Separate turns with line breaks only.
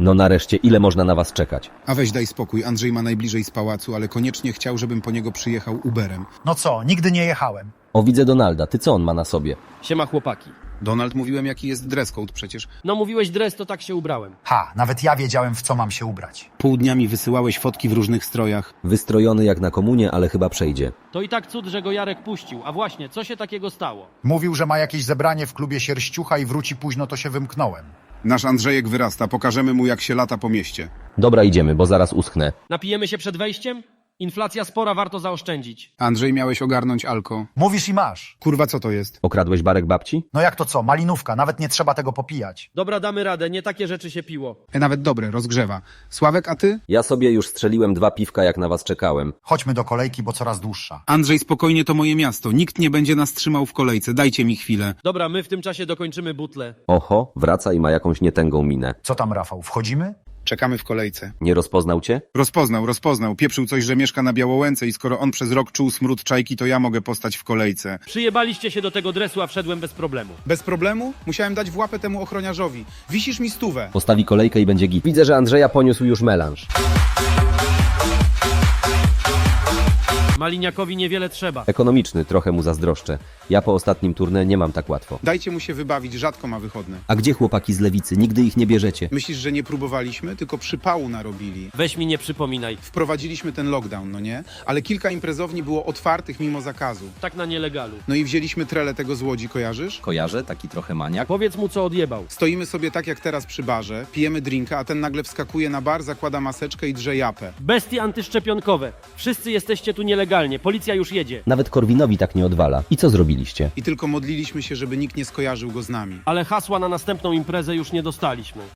No nareszcie, ile można na was czekać?
A weź daj spokój, Andrzej ma najbliżej z pałacu, ale koniecznie chciał, żebym po niego przyjechał Uberem.
No co, nigdy nie jechałem.
O, widzę Donalda, ty co on ma na sobie?
Siema chłopaki.
Donald, mówiłem jaki jest dress code przecież.
No mówiłeś dres, to tak się ubrałem.
Ha, nawet ja wiedziałem, w co mam się ubrać.
Pół dnia mi wysyłałeś fotki w różnych strojach.
Wystrojony jak na komunie, ale chyba przejdzie.
To i tak cud, że go Jarek puścił. A właśnie, co się takiego stało?
Mówił, że ma jakieś zebranie w klubie Sierściucha i wróci późno, to się wymknąłem.
Nasz Andrzejek wyrasta, pokażemy mu jak się lata po mieście.
Dobra, idziemy, bo zaraz uschnę.
Napijemy się przed wejściem? Inflacja spora, warto zaoszczędzić.
Andrzej, miałeś ogarnąć alko.
Mówisz i masz.
Kurwa, co to jest?
Okradłeś barek babci?
No jak to co, malinówka, nawet nie trzeba tego popijać.
Dobra, damy radę, nie takie rzeczy się piło.
Nawet dobre, rozgrzewa. Sławek, a ty?
Ja sobie już strzeliłem 2 piwka, jak na was czekałem.
Chodźmy do kolejki, bo coraz dłuższa.
Andrzej, spokojnie, to moje miasto. Nikt nie będzie nas trzymał w kolejce. Dajcie mi chwilę.
Dobra, my w tym czasie dokończymy butlę.
Oho, wraca i ma jakąś nietęgą minę.
Co tam, Rafał, wchodzimy?
Czekamy w kolejce.
Nie rozpoznał cię?
Rozpoznał. Pieprzył coś, że mieszka na Białołęce i skoro on przez rok czuł smród czajki, to ja mogę postać w kolejce.
Przyjebaliście się do tego dresu, a wszedłem bez problemu.
Bez problemu? Musiałem dać w łapę temu ochroniarzowi. Wisisz mi 100.
Postawi kolejkę i będzie git. Widzę, że Andrzeja poniósł już melanż.
Maliniakowi niewiele trzeba.
Ekonomiczny, trochę mu zazdroszczę. Ja po ostatnim turnę nie mam tak łatwo.
Dajcie mu się wybawić, rzadko ma wychodne.
A gdzie chłopaki z lewicy? Nigdy ich nie bierzecie.
Myślisz, że nie próbowaliśmy, tylko przypału narobili.
Weź mi nie przypominaj.
Wprowadziliśmy ten lockdown, no nie? Ale kilka imprezowni było otwartych mimo zakazu.
Tak na nielegalu.
No i wzięliśmy trele tego z Łodzi, kojarzysz?
Kojarzę, taki trochę maniak.
Powiedz mu, co odjebał.
Stoimy sobie tak jak teraz przy barze, pijemy drinka, a ten nagle wskakuje na bar, zakłada maseczkę i drze japę.
Bestie antyszczepionkowe. Wszyscy jesteście tu nielegalnie. Policja już jedzie.
Nawet Korwinowi tak nie odwala. I co zrobiliście?
I tylko modliliśmy się, żeby nikt nie skojarzył go z nami.
Ale hasła na następną imprezę już nie dostaliśmy.